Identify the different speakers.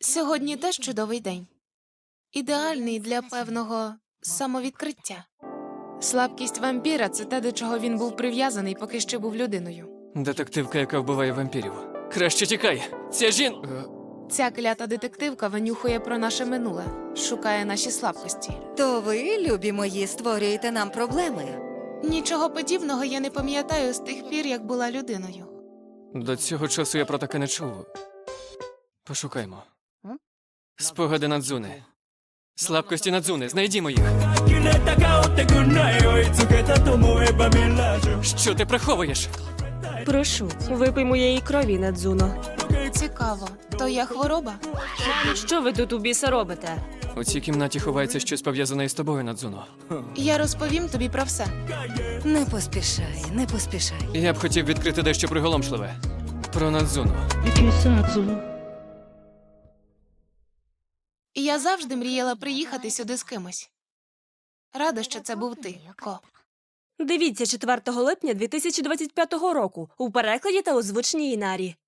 Speaker 1: Сьогодні теж чудовий день. Ідеальний для певного самовідкриття. Слабкість вампіра – це те, до чого він був прив'язаний, поки ще був людиною.
Speaker 2: Детективка, яка вбиває вампірів. Краще тікай! Ця
Speaker 1: Ця клята детективка винюхує про наше минуле, шукає наші слабкості.
Speaker 3: То ви, любі мої, створюєте нам проблеми.
Speaker 1: Нічого подібного я не пам'ятаю з тих пір, як була людиною.
Speaker 2: До цього часу я про таке не чув. Пошукаймо. Спогади Надзуни. Слабкості Надзуни, знайдімо їх. Що ти приховуєш?
Speaker 4: Прошу, випий моєї крові, Надзуно.
Speaker 1: Цікаво, то я хвороба?
Speaker 4: Що ви тут у біса робите?
Speaker 2: У цій кімнаті ховається щось пов'язане із тобою, Надзуно.
Speaker 1: Я розповім тобі про все.
Speaker 3: Не поспішай, не поспішай.
Speaker 2: Я б хотів відкрити дещо приголомшливе. Про Надзуну.
Speaker 1: Я завжди мріяла приїхати сюди з кимось. Рада, що це був ти, Ко.
Speaker 4: Дивіться 4 липня 2025 року у перекладі та озвученні Інарі.